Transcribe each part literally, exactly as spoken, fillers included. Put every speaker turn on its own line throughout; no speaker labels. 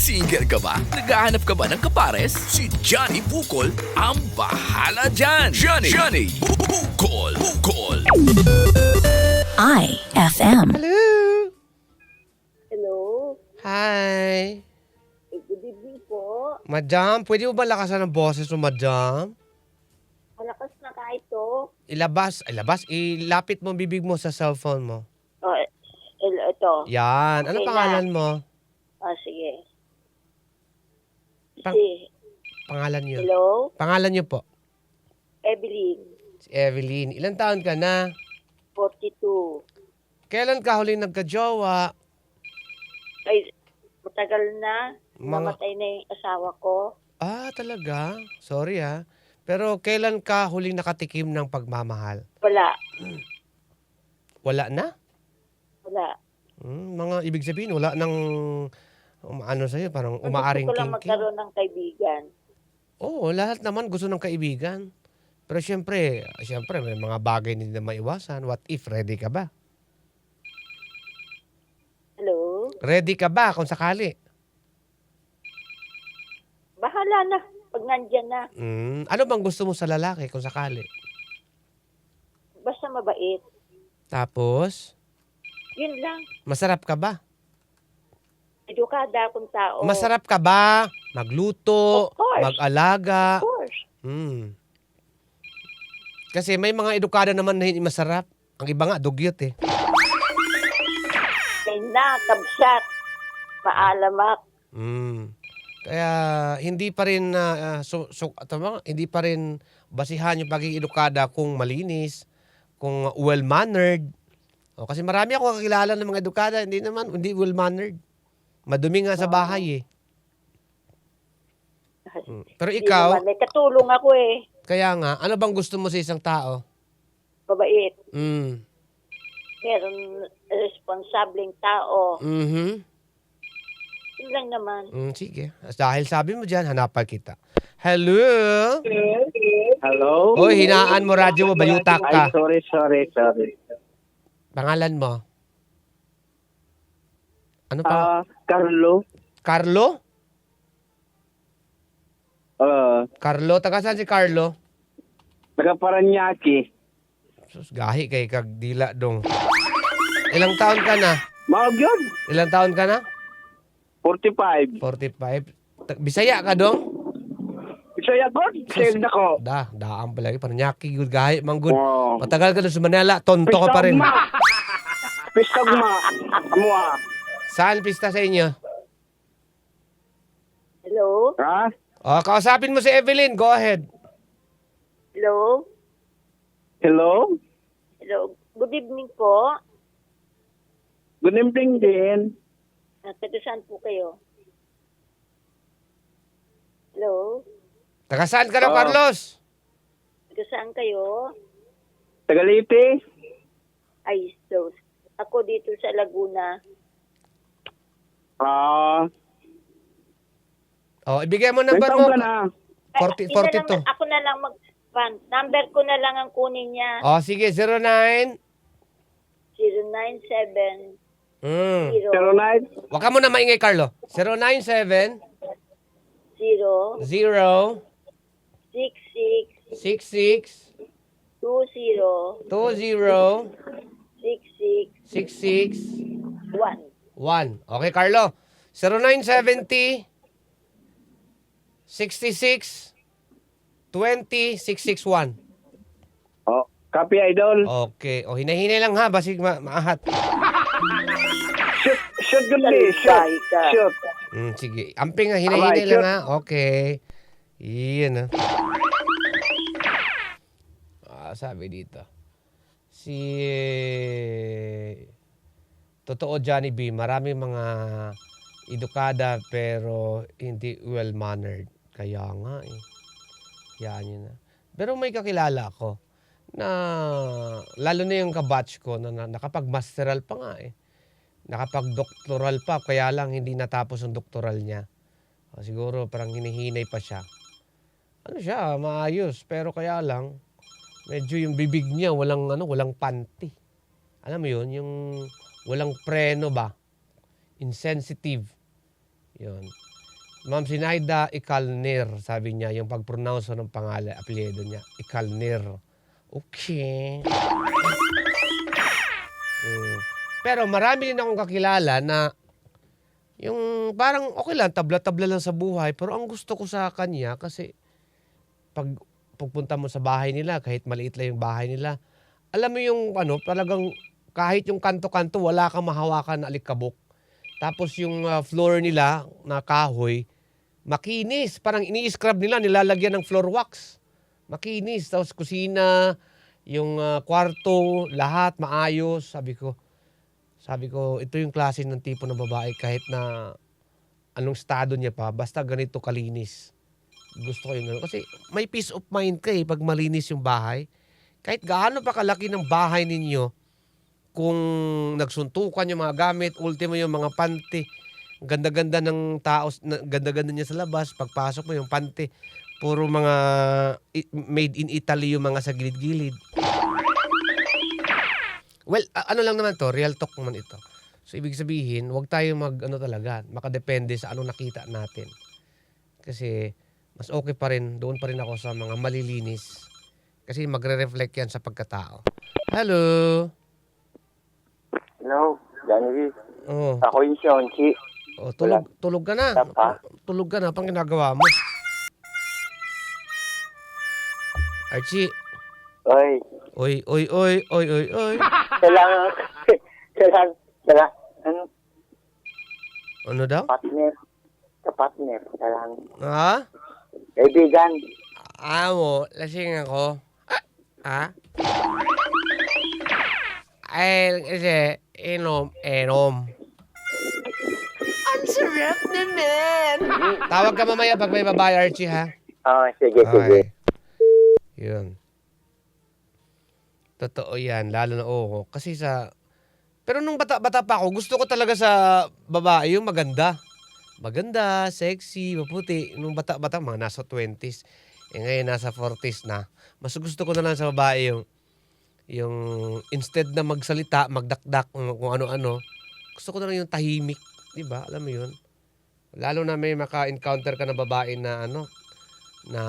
Single ka ba? Naghahanap ka ba ng kapares? Si Johnny Bukol ang bahala dyan! Johnny! Johnny! Bukol! Bukol!
I F M.
Hello!
Hello.
Hi!
Eh, good evening po.
Madam, pwede mo ba lakasan ang boses mo, madam?
Malakas na ka ito.
Ilabas, ilabas, ilapit mo ang bibig mo sa cellphone mo.
Oh, eh, ito.
Yan. Ano
Okay
pangalan mo?
Ah, sige.
Pang-
Si,
Pangalan niyo.
hello?
Pangalan niyo po.
Evelyn,
Si Evelyn. Ilan taon ka na?
forty-two.
Kailan ka huling nagka-jowa?
Ay, matagal na.
Mga-
Namatay na yung asawa ko.
Ah, talaga? Sorry ah. Pero kailan ka huling nakatikim ng pagmamahal?
Wala.
Wala na?
Wala.
Hmm, mga ibig sabihin, wala nang um, ano sa'yo, parang umaaring
Gusto ko lang
king
magkaroon ng kaibigan.
Oo, lahat naman gusto ng kaibigan. Pero siyempre, siyempre may mga bagay hindi na maiwasan. What if, ready ka ba?
Hello?
Ready ka ba kung sakali?
Bahala na. Pag nandyan na.
Hmm, ano bang gusto mo sa lalaki kung sakali?
Basta mabait.
Tapos,
Yun lang.
masarap ka ba?
Edukada akong tao.
Masarap ka ba? Magluto,
Of course.
mag-alaga.
Of course.
Hmm. Kasi may mga edukada naman na hindi masarap. Ang iba nga, dugyot eh.
Kay na, kabsat. Paalamak.
Hmm. Kaya hindi pa rin uh, so, so, tama, hindi pa rin basihan yung pagiging edukada kung malinis, kung well-mannered. O, kasi marami ako kakilala ng mga edukada, hindi naman, hindi well-mannered. Madumi nga sa bahay eh. Hmm. Pero
Hindi
ikaw,
naman, may katulong ako eh.
kaya nga, ano bang gusto mo sa isang tao?
Mabait.
Mm.
Meron responsableng tao.
Mhm.
Yun lang naman.
Mm, sige. Dahil sabi mo dyan, hanapan kita. Hello?
Hello?
Hoy, hinaan mo radyo mo, bayutak ka.
Ay, sorry, sorry, sorry.
Pangalan mo? Ano pa?
Ah, Carlo?
Carlo?
Uh,
Carlo? Taga saan si Carlo?
taga Paranaque.
Sus, gahi kay kagdila dong. Ilang taon ka na?
Mga yun.
Ilang taon ka na?
forty-five.
forty-five. Ta- Bisaya ka dong?
Bisaya ko? Bisaya na ko.
Da, daan pala. Parang nyaki, good gahi, manggod.
Oh.
Matagal ka na sa Manila, tonto ka pa rin.
Pistag ma. Mua.
Saan pista sa inyo?
Hello?
Ha?
O, kausapin mo si Evelyn. Go ahead.
Hello?
Hello?
Hello? Good evening po.
Good evening din.
Ah, taga saan po kayo? Hello?
Taga saan ka na,
Oh.
Carlos?
Taga saan kayo?
Taga Leyte?
Ay, so, ako dito sa Laguna.
Ah,
O, ibigay mo
ilang
number
taon
mo.
ka na?
forty,
Ay, hindi na
forty-two.
lang, ako na lang mag... Pan, number ko na lang ang kunin niya.
O, sige, zero nine.
zero nine seven
Mm.
Zero nine?
Huwag ka muna maingay, Carlo. zero nine seven
zero
zero
six six
six six
two zero
two zero
six six
six six
one.
one. Okay, Carlo. zero nine seven zero sixty-six twenty six six one.
Oh, copy idol.
Okay. O, hinahinay lang ha. Basig ma maahat.
Shoot, shoot good day. Shoot.
Salbahe ka.
Shoot.
Mm, sige. Amping ha. Hinahinay
Alright,
lang
sure.
ha. Okay. Iyan ha. Ah, sabi dito. Si... Totoo, Johnny B. Marami mga edukada pero hindi well-mannered. Kaya nga eh. Yan yun na. Pero may kakilala ako na lalo na yung kabatch ko na, na nakapag-masteral pa nga eh. Nakapag-doctoral pa kaya lang hindi natapos ang doctoral niya. O, siguro parang hinihinay pa siya. Ano siya, maayos pero kaya lang medyo yung bibig niya walang ano, walang panty. Alam mo yun, yung walang preno ba? Insensitive. Yun. Ma'am Sinaida Ikalnir, sabi niya, yung pag-pronounce ng pangalan, apelyido niya, Ikalnir. Okay. Mm. Pero marami din akong kakilala na yung parang okay lang, tabla-tabla lang sa buhay. Pero ang gusto ko sa kanya kasi pag pagpunta mo sa bahay nila, kahit maliit lang yung bahay nila, alam mo yung ano, talagang kahit yung kanto-kanto, wala kang mahawakan na alikabok. Tapos yung ah, floor nila na kahoy, makinis. Parang ini-scrub nila, nilalagyan ng floor wax. Makinis. Tapos kusina, yung ah, kwarto, lahat maayos. Sabi ko, sabi ko, ito yung klase ng tipo ng babae kahit na anong estado niya pa, basta ganito kalinis. Gusto ko yun. Kasi may peace of mind ka eh pag malinis yung bahay. Kahit gaano pa kalaki ng bahay ninyo, kung nagsuntukan yung mga gamit, ultimo yung mga panty, ganda-ganda ng tao, na- ganda-ganda niya sa labas, pagpasok mo yung panty, puro mga i- made in Italy yung mga sa gilid-gilid. Well, a- ano lang naman to, real talk naman ito. So, ibig sabihin, huwag tayo mag, ano talaga, makadepende sa anong nakita natin. Kasi, mas okay pa rin, doon pa rin ako sa mga malilinis. Kasi magre-reflect yan sa pagkatao. Hello!
Hello, Johnny B.
Oh,
Ako yung Shonchi.
oh tulog, tulog ka na.
Tapa.
Tulog ka na, pang ginagawa mo. Archie,
Oy,
oy, oy, oy, oy, oy, oy.
kailangan, kailangan, kailangan, ano,
Ano daw?
partner, ka-partner, kailangan,
Ha?
kaibigan.
Amo, lasing ako. Ah? Ay, kasi, inom, inom. Ang sarap naman. Tawag ka mamaya pag may babae, Archie, ha?
Oh, sige, sige.
Okay. Yun. Totoo yan, lalo na oo. Kasi sa... Pero nung bata-bata pa ako, gusto ko talaga sa babae yung maganda. Maganda, sexy, maputi. Nung bata-bata, mga nasa twenties. Eh ngayon, nasa forties na. Mas gusto ko na lang sa babae yung... Yung instead na magsalita, magdakdak, kung ano-ano. Gusto ko na lang yung tahimik. Diba? Alam mo yun? Lalo na may maka-encounter ka na babae na ano, na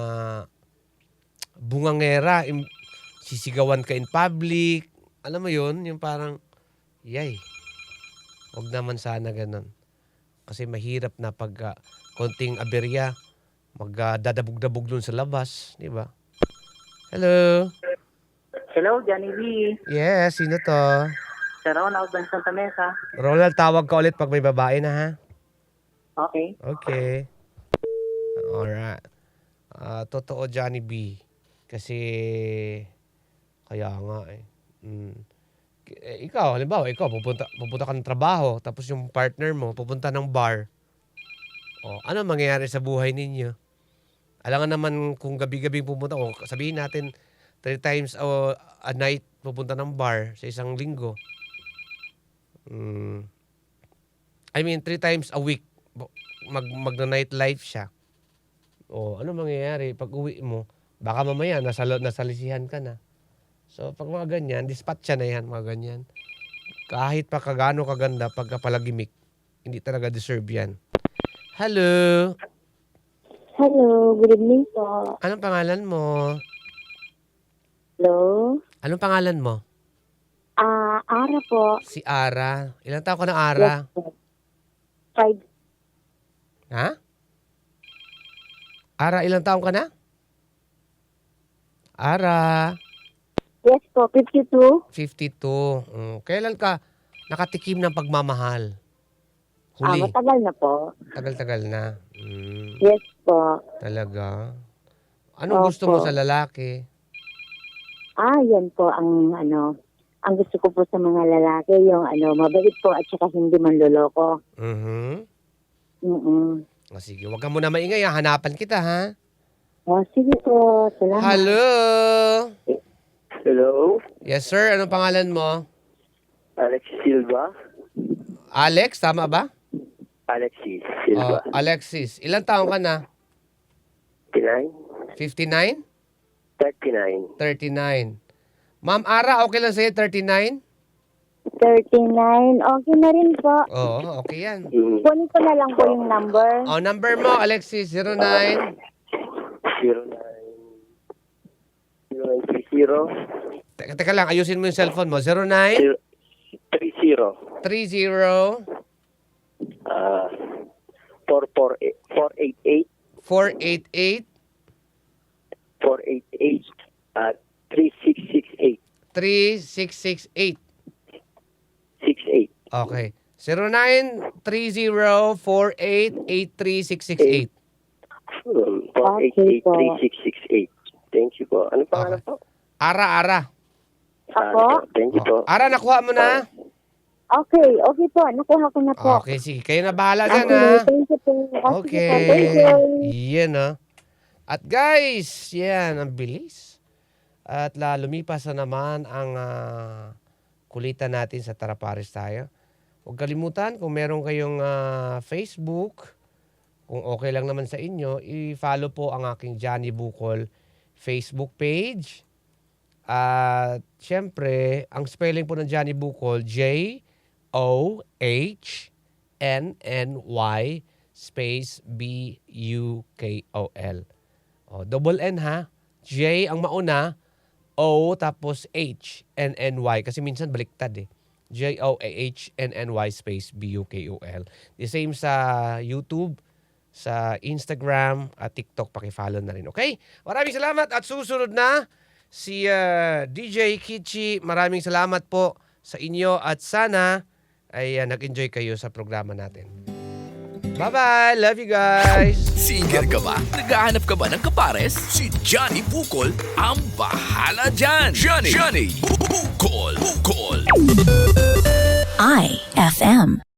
bungangera, im- sisigawan ka in public. Alam mo yun? Yung parang, yay. Huwag naman sana ganun. Kasi mahirap na pag uh, konting aberya, magdadabog-dabog dun sa labas. Di ba? Hello?
Hello, Johnny B.
Yes, sino to?
Sa Ronald ng Santa Mesa.
Ronald, tawag ka ulit pag may babae na ha?
Okay.
Okay. Alright. Ah, totoo, Johnny B. Kasi, kaya nga eh. Mm. K- eh, ikaw, halimbawa, ikaw, pupunta, pupunta ka ng trabaho, tapos yung partner mo, pupunta ng bar. O, ano mangyayari sa buhay ninyo? Alam nga naman kung gabi-gabi pupunta, o sabihin natin, three times a, a night pupunta ng bar sa isang linggo. Mm. I mean, three times a week mag magna-night life siya. O, ano mangyayari pag uwi mo? Baka mamaya nasa nasalisihan ka na. So, pag mga ganyan, dispatcha na yan, mga ganyan. Kahit pa kagano kaganda pagkapalagimik, hindi talaga deserve yan. Hello!
Hello, good evening po.
Anong pangalan mo?
Hello?
Anong pangalan mo?
Ah, Ara po.
Si Ara. Ilang taon ka na, Ara?
Yes po. Five.
Ha? Ara, ilang taon ka na? Ara,
Yes po, fifty-two.
fifty-two. Mm, kailan ka nakatikim ng pagmamahal?
Ah,
Huli.
matagal na po.
Tagal-tagal na. Mm,
Yes po.
talaga. Anong gusto mo
Opo.
sa lalaki?
Ah, yan po ang ano, ang gusto ko po sa mga lalaki, yung ano, mabait po at saka hindi manloloko.
Mhm.
Mm-mm.
O sige, wag ka muna maingay. Ha? Hanapan kita, ha?
Oh, sige po. Salamat.
Hello?
Hello,
Yes, sir. Anong pangalan mo?
Alex Silva.
Alex, tama ba?
Alexis
Oh,
Silva.
Alexis. Ilang taon ka na?
fifty-nine?
fifty-nine?
thirty-nine.
thirty-nine. Ma'am Ara, okay lang sa'yo, thirty-nine?
thirty-nine. Okay na rin po.
Oo, okay yan.
Mm.
Kunin ko na lang po yung number.
O, number mo, Alexis, zero nine.
zero nine zero nine three zero
Teka, teka lang, ayusin mo yung cellphone mo. zero nine
zero three zero
three zero
uh, four four eight four eight eight
four eight eight
four eight eight uh, three six six eight
three six six eight.
six eight.
Okay. zero nine three zero four eight eight three six six eight.
Um, four eight eight three six six eight. Thank you po. Ano pangalan
Okay.
po?
Ara, Ara.
Ako?
Ah, thank you po.
Ara, nakuha mo na?
Okay, okay po. Nakuha ko na po.
Okay, sige. Kayo na bahala dyan,
Okay,
ha?
thank you po.
Okay.
Thank you.
Yan, ha? At guys, yan, ang bilis. At la, lumipas na naman ang ah, kulitan natin sa Tara Pares Tayo. Huwag kalimutan, kung meron kayong ah, Facebook, kung okay lang naman sa inyo, i-follow po ang aking Johnny Bukol Facebook page. At syempre, ang spelling po ng Johnny Bukol, J O H N N Y space B U K O L. O, double N ha. J ang mauna, O tapos H, N N Y. Kasi minsan baliktad eh. J O H N N Y space B U K O L. The same sa YouTube, sa Instagram at TikTok. Pakifollow na rin. Okay? Maraming salamat at susunod na si uh, D J Kichi. Maraming salamat po sa inyo at sana ay uh, nag-enjoy kayo sa programa natin. Bye-bye! Love you guys!
Single ka ba? Naghahanap ka ba ng kapares? Si Johnny Bukol ang bahala dyan! Johnny! Johnny! Bukol! Bukol!
I F M.